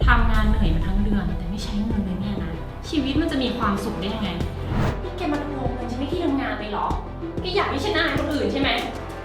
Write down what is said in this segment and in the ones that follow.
ทำงานเหนื่อยมาทั้งเดือนแต่ไม่ใช้เงินเลยเนี่ยนะชีวิตมันจะมีความสุขได้ยังไงนี่แกมาทวงเงินฉันไม่ที่ทำงานเลยเหรอแกอยากให้ฉันอายคนอื่นใช่ไหม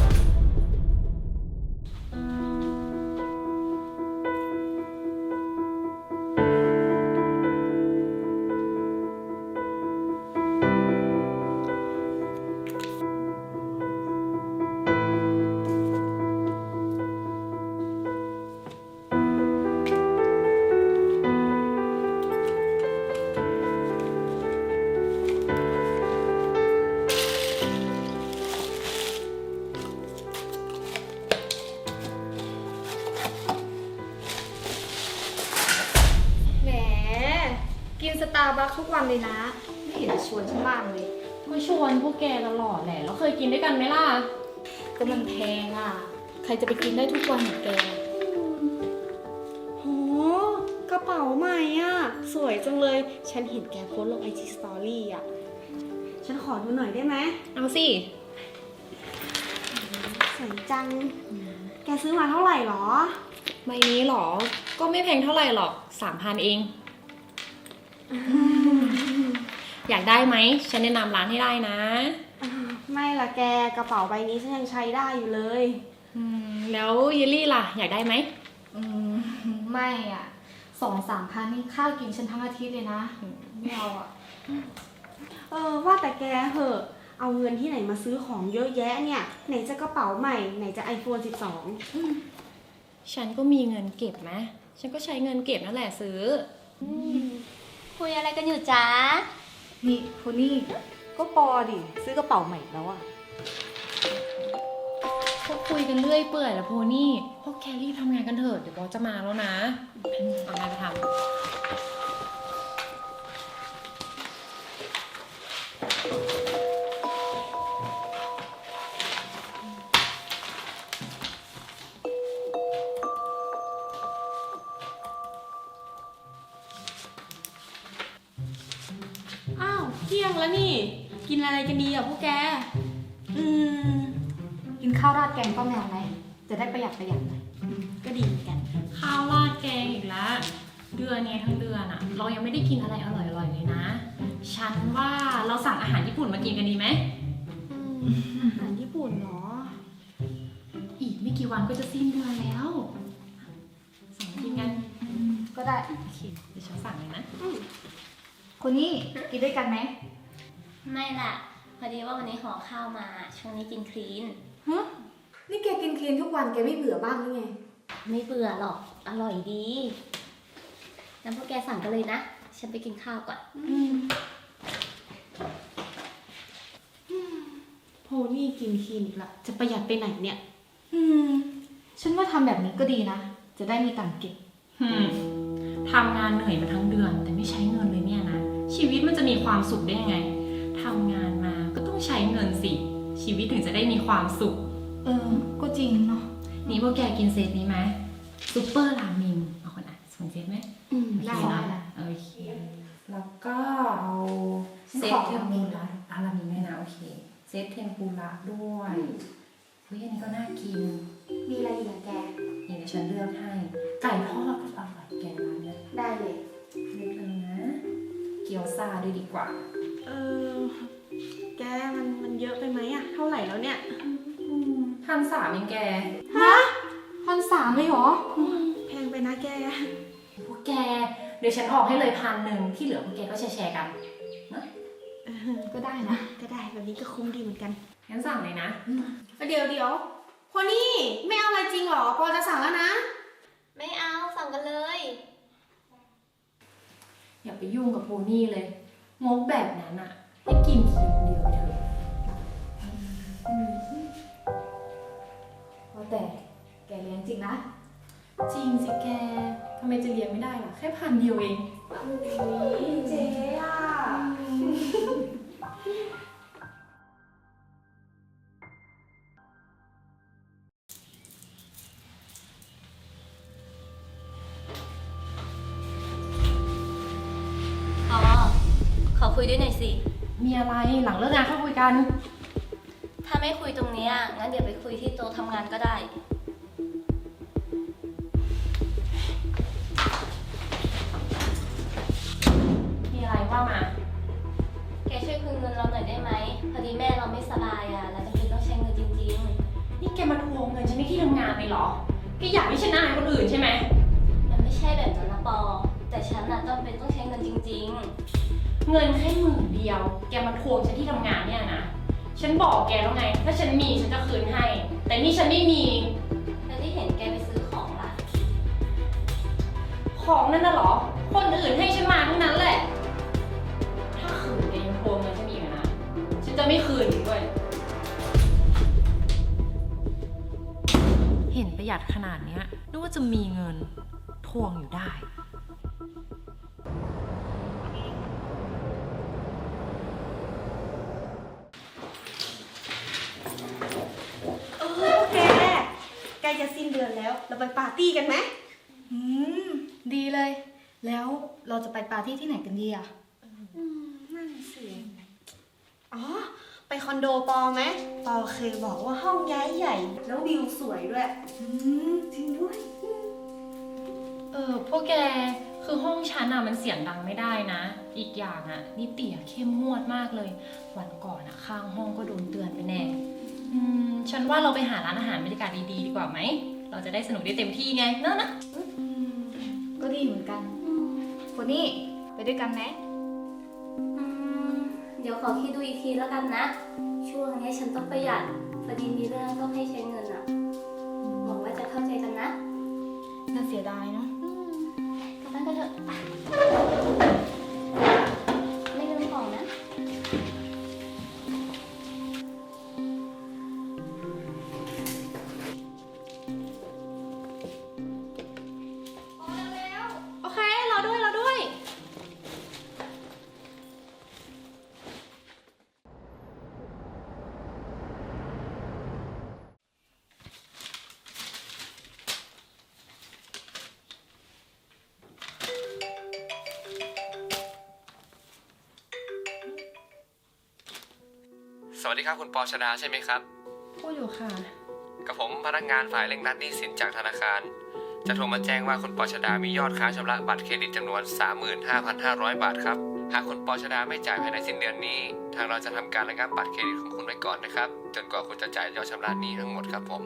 แหมกินสตาร์บัคทุกวันเลยนะไม่เห็นจะชวนฉันบ้างเลยก็ชวนพวกแกตลอดแหละแล้วเคยกินด้วยกันไหมล่ะก็มันแพงอ่ะใครจะไปกินได้ทุกวันเหมือนแกโหกระเป๋าใหม่อ่ะสวยจังเลยฉันเห็นแกโพสต์ลง IG Story อ่ะฉันขอดูหน่อยได้ไหมเอาสิสวยจังแกซื้อมาเท่าไหร่หรอใบนี้หรอก็ไม่แพงเท่าไหร่หรอก 3,000 เองอยากได้ไหมฉันแนะนำร้านให้ได้นะไม่ละแกกระเป๋าใบนี้ฉันยังใช้ได้อยู่เลยแล้วเยลลี่ล่ะอยากได้ไหมไม่อ่ะ2-3 พันนี่ข้าวกินฉันทั้งอาทิตย์เลยนะไม่เอาอ่ะว่าแต่แกเหอะเอาเงินที่ไหนมาซื้อของเยอะแยะเนี่ยไหนจะกระเป๋าใหม่ไหนจะ iPhone 12 ฉันก็มีเงินเก็บนะฉันก็ใช้เงินเก็บนั่นแหละซื้อคุยอะไรกันอยู่จ๊ะนี่คนนี่ก็ปอดิซื้อกระเป๋าใหม่แล้วอะก็คุยกันเรื่อยเปื่อยแล้วโพนี่พวกแคลรี่ทำงานกันเถอะเดี๋ยวบอสจะมาแล้วนะเอางานไปทำอ้าวเที่ยงแล้วนี่กินอะไรกันดีอ่ะพวกแกกินข้าวราดแกงป้าแมวไหมจะได้ประหยัดหน่อยก็ดีเหมือนกันข้าวราดแกงอีกแล้วเดือนนี้ทั้งเดือนอะเรายังไม่ได้กินอะไรอร่อยๆเลยนะฉันว่าเราสั่งอาหารญี่ปุ่นมากินกันดีไหมอาหารญี่ปุ่นเหรออีกไม่กี่วันก็จะสิ้นเดือนแล้วสั่งกินกันก็ได้โอเคเดี๋ยวฉันสั่งเลยนะคนนี้กินด้วยกันไหมไม่ล่ะพอดีว่าวันนี้ห่อข้าวมาช่วงนี้กินคลีนฮะนี่แกกินคลีนทุกวันแกไม่เบื่อบ้างหรือไงไม่เบื่อหรอกอร่อยดีงั้นพวกแกสั่งกันเลยนะฉันไปกินข้าวก่อนโพนี่กินคลีนอีกละจะประหยัดไปไหนเนี่ยฉันว่าทำแบบนี้ก็ดีนะจะได้มีตังค์เก็บทำงานเหนื่อยมาทั้งเดือนแต่ไม่ใช้เงินเลยเนี่ยนะชีวิตมันจะมีความสุขได้ยังไงทำงานมาก็ต้องใช้เงินสิชีวิตถึงจะได้มีความสุขก็จริงเนาะนี่พวกแกกินเซตนี้ไหมซุปเปอร์รามินเอาคนอ่ะส่งเซตไหมได้นะโอเคแล้วก็เอาเซตเทมปุระรามินด้วยนะโอเคเซตเทมปุระด้วยเฮ้ยอันนี้ก็น่ากินมีอะไรอีกแกนี่เดี๋ยวฉันเลือกให้ไก่ทอดก็อร่อยแกร้านนี้ได้เลยเลือกเลยนะเกี๊ยวซ่าด้วยดีกว่าแกมันเยอะไปไหมอะเท่าไหร่แล้วเนี่ย 1,300เองแกฮะ1,300เลยเหรอแพงไปนะแกพวกแกเดี๋ยวฉันออกให้เลย1,000ที่เหลือพวกแกก็แชร์กันนะก็ได้นะก็ได้แบบนี้ก็คุ้มดีเหมือนกันงั้นสั่งเลยนะเดี๋ยวพอนี่ไม่เอาอะไรจริงเหรอพอจะสั่งแล้วนะไม่เอาสั่งกันเลยอย่าไปยุ่งกับโพนี่เลยงกแบบนั้นอะให้กินทีคนเดียวไปเถอะแต่แกเลี้ยงจริงนะจริงสิแกทำไมจะเลี้ยงไม่ได้ล่ะแค่1,000 เดียวเองเจ๊อะขอคุยด้วยหน่อยสิมีอะไรหลังเลิกงานเข้าคุยกันถ้าไม่คุยตรงนี้งั้นเดี๋ยวไปคุยที่โต๊ะทำงานก็ได้จำเป็นต้องใช้เงินจริงเงินแค่10,000เดียว แกมาทวงฉันที่ทำงานเนี่ยนะ ฉันบอกแกแล้วไง ถ้าฉันมีฉันจะคืนให้ แต่นี่ฉันไม่มีๆแล้วที่เห็นแกไปซื้อของล่ะของนั่นน่ะเหรอ คนอื่นให้ฉันมาทั้งนั้นแหละ ถ้าคืนแกยังทวงเงินฉันอีกนะ ฉันจะไม่คืนอีกด้วย เห็นประหยัดขนาดเนี้ยนึกว่าจะมีเงินทวงอยู่ได้แกใกล้จะสิ้นเดือนแล้ว เราไปปาร์ตี้กันไหมดีเลย แล้วเราจะไปปาร์ตี้ที่ไหนกันดีอ่ะนั่นสิ อ๋อ ไปคอนโดปอไหมปอเคยบอกว่าห้องย้ายใหญ่ แล้ววิวสวยด้วย จริงด้วยพวกแก คือห้องฉันอะมันเสียงดังไม่ได้นะ อีกอย่างอะนี่เตี่ยเข้มงวดมากเลย วันก่อนอะข้างห้องก็โดนเตือนไปแน่ ฉันว่าเราไปหาร้านอาหารบรรยากาศดีๆดีกว่าไหม เราจะได้สนุกได้เต็มที่ไงเนอะนะก็ดีเหมือนกันคนนี้ไปด้วยกันไหมเดี๋ยวขอคิดดูอีกทีแล้วกันนะ ช่วงนี้ฉันต้องประหยัดพอดีมีเรื่องต้องให้ใช้เงินอะหวังว่าจะเข้าใจกันนะน่าเสียดายเนาะกลับบ้านกันเถอะไปไม่ลืมของนะโอเค เราด้วยสวัสดีครับคุณปอชดาใช่ไหมครับพูดอยู่ค่ะกับผมพนักงานฝ่ายเร่งรัดหนี้สินจากธนาคาร จะโทรมาแจ้งว่าคุณปอชดามียอดค้างชำระบัตรเครดิตจำนวน 35,500 บาทครับ หากคุณปอชดาไม่จ่ายภายในสิ้นเดือนนี้ ทางเราจะทำการระงับบัตรเครดิตของคุณไว้ก่อนนะครับ จนกว่าคุณจะจ่ายยอดชำระหนี้ทั้งหมดครับผม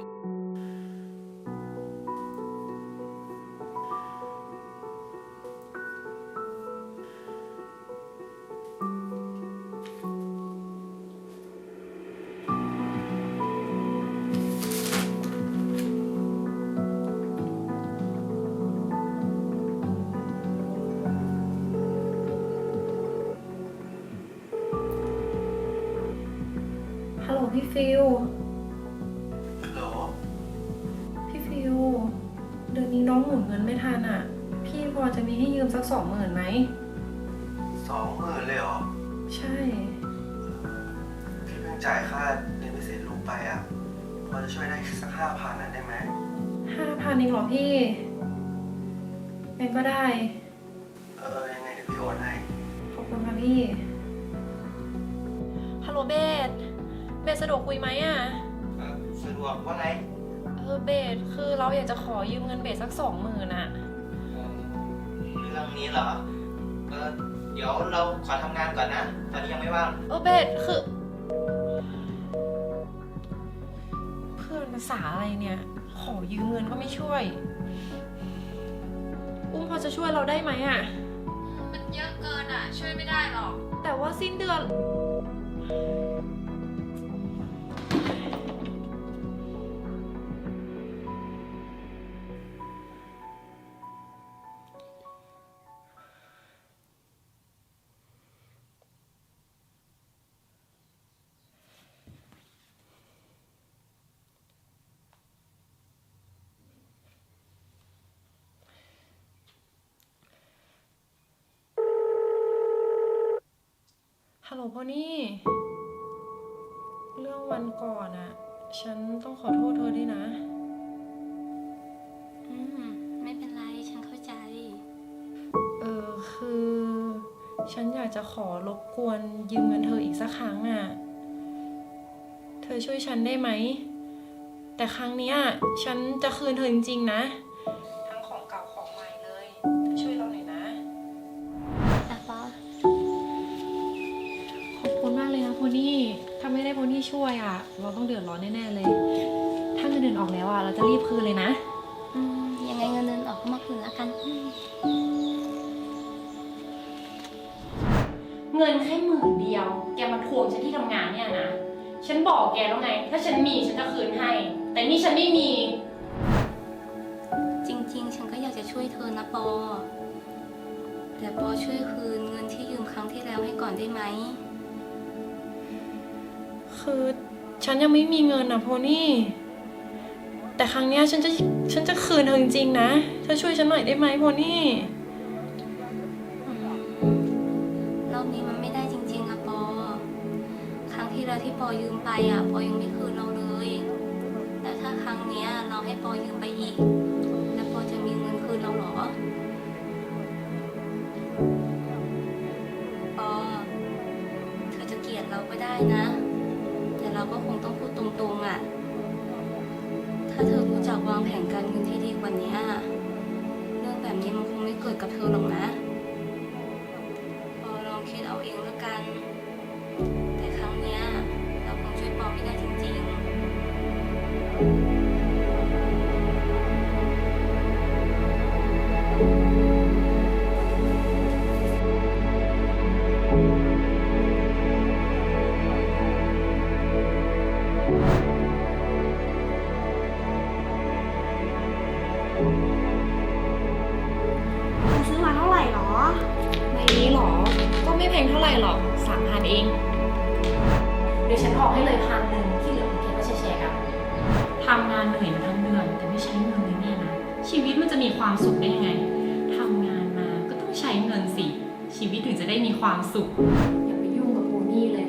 ฮัลโหลพี่ฟิลฮัลโหลพี่ฟิล เดือนนี้น้องหมุนเงินไม่ทันอ่ะ พี่พอจะมีให้ยืมสัก20,000ไหม 20,000เลยเหรอใช่พี่เพิ่งจ่ายค่าเรียนพิเศษลูกไปอ่ะ พอจะช่วยได้สัก5,000น่ะได้ไหม 5,000เองเหรอพี่งั้นก็ได้ยังไงเดี๋ยวพี่โอนให้ขอบคุณค่ะพี่ ฮัลโหลเบสสะดวกคุยไหมอ่ะสะดวกว่าไงเบสคือเราอยากจะขอยืมเงินเบสสัก20,000อ่ะเรื่องนี้เหรอ เดี๋ยวเราขอทำงานก่อนนะ ตอนนี้ยังไม่ว่างเบสคือ เพื่อนภาษาอะไรเนี่ย ขอยืมเงินก็ไม่ช่วย อุ้มพอจะช่วยเราได้ไหมอ่ะมันเยอะเกินอ่ะ ช่วยไม่ได้หรอกแต่ว่าสิ้นเดือน ฮัลโหลพ่อนี่ เรื่องวันก่อนอะฉันต้องขอโทษเธอด้วยนะไม่เป็นไร ฉันเข้าใจคือ ฉันอยากจะขอรบกวนยืมเงินเธออีกสักครั้งอะเธอช่วยฉันได้ไหม แต่ครั้งเนี้ยฉันจะคืนเธอจริงๆนะ ทั้งของเก่าของใหม่เลยเธอช่วยเราหน่อยนะอ่ะปอขอบคุณมากเลยนะโพนี่ ถ้าไม่ได้โพนี่ช่วยอะเราต้องเดือดร้อนแน่ๆเลย ถ้าเงินเดือนออกแล้วอะเราจะรีบคืนเลยนะยังไงเงินเดือนออกก็มาคืนแล้วกันเงินแค่10,000 แกมาทวงฉันที่ทำงานเนี่ยนะ ฉันบอกแกแล้วไง ถ้าฉันมีฉันจะคืนให้ แต่นี่ฉันไม่มีจริงๆ ฉันก็อยากจะช่วยเธอนะปอ แต่ปอช่วยคืนเงินที่ยืมครั้งที่แล้วให้ก่อนได้ไหมคือฉันยังไม่มีเงินนะโพนี่ แต่ครั้งเนี้ยฉันจะคืนเธอจริงๆนะเธอช่วยฉันหน่อยได้ไหมโพนี่รอบนี้มันไม่ได้จริงๆอะปอ ครั้งที่แล้วที่ปอยืมไปอะปอยังไม่คืนเราเลย แล้วถ้าครั้งเนี้ยเราให้ปอยืมไปอีก แล้วปอจะมีเงินคืนเราเหรอ ปอ เธอจะเกลียดเราก็ได้นะ แต่เราก็คงต้องพูดตรงๆอะถ้าเธอรู้จักวางแผนการเงินที่ดีกว่านี้เรื่องแบบนี้มันคงไม่เกิดกับเธอหรอกนะ ปอลองคิดเอาเองแล้วกัน แต่ครั้งเนี้ยเราคงช่วยปอไม่ได้จริงๆเธอซื้อมาเท่าไหร่หรอใบนี้หรอ ก็ไม่แพงเท่าไหร่หรอก3,000 เอง เดี๋ยวฉันออกให้เลย1,000ที่เหลือของแกก็แชร์กันทำงานเหนื่อยมาทั้งเดือนแต่ไม่ใช้เงินเลยเนี่ยนะ ชีวิตมันจะมีความสุขได้ยังไงทำงานมาก็ต้องใช้เงินสิ ชีวิตถึงจะได้มีความสุข อย่าไปยุ่งกับโพนี่เลย